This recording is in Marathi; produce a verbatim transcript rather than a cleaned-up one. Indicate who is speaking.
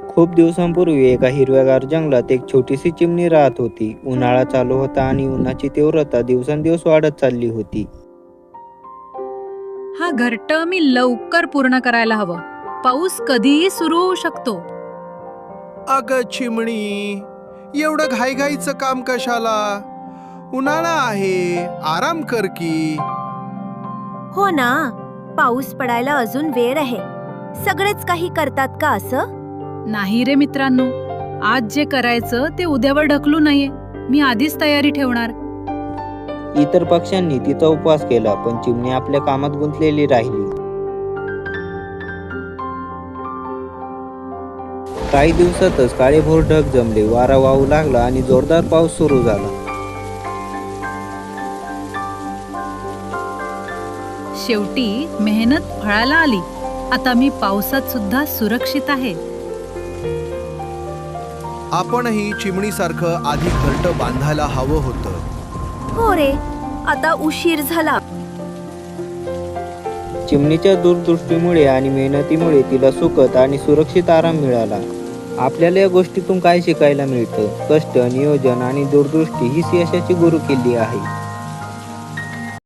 Speaker 1: खूप दिवसांपूर्वी एका हिरव्यागार जंगलात एक छोटीशी चिमणी राहत होती. उन्हाळा चालू होता आणि उन्हाची तीव्रता दिवसेंदिवस वाढत चालली होती.
Speaker 2: हा घरटं मी लवकर पूर्ण करायला हवं. पाऊस कधीही सुरू होऊ शकतो.
Speaker 3: अग चिमणी, एवढं घाईघाईचं काम कशाला? उन्हाळा आहे, आराम कर की.
Speaker 4: हो ना, पाऊस पडायला अजून वेळ आहे. सगळेच काही करतात का असं?
Speaker 2: नाही रे मित्रांनो, आज जे करायचं ते उद्यावर ढकलू नये. मी आधीच तयारी ठेवणार.
Speaker 1: इतर पक्ष्यांनी तिचा उपवास केला, पण चिमणी आपल्या कामात गुंतलेली राहिली. काही दिवसातच काळेभोर ढग जमले, वारा वाहू लागला आणि जोरदार पाऊस सुरू झाला.
Speaker 2: शेवटी मेहनत फळाला आली. आता मी पावसात सुद्धा सुरक्षित आहे.
Speaker 3: आपणही चिमणीसारखं आधी घरटं बांधायला हवं होतं.
Speaker 4: हो रे, आता उशीर झाला.
Speaker 1: चिमणीच्या दूरदृष्टीमुळे आणि मेहनतीमुळे तिला सुखद आणि सुरक्षित आराम मिळाला. आपल्याला या गोष्टीतून काय शिकायला मिळतं? कष्ट, नियोजन आणि दूरदृष्टी हीच यशाची गुरुकिल्ली आहे.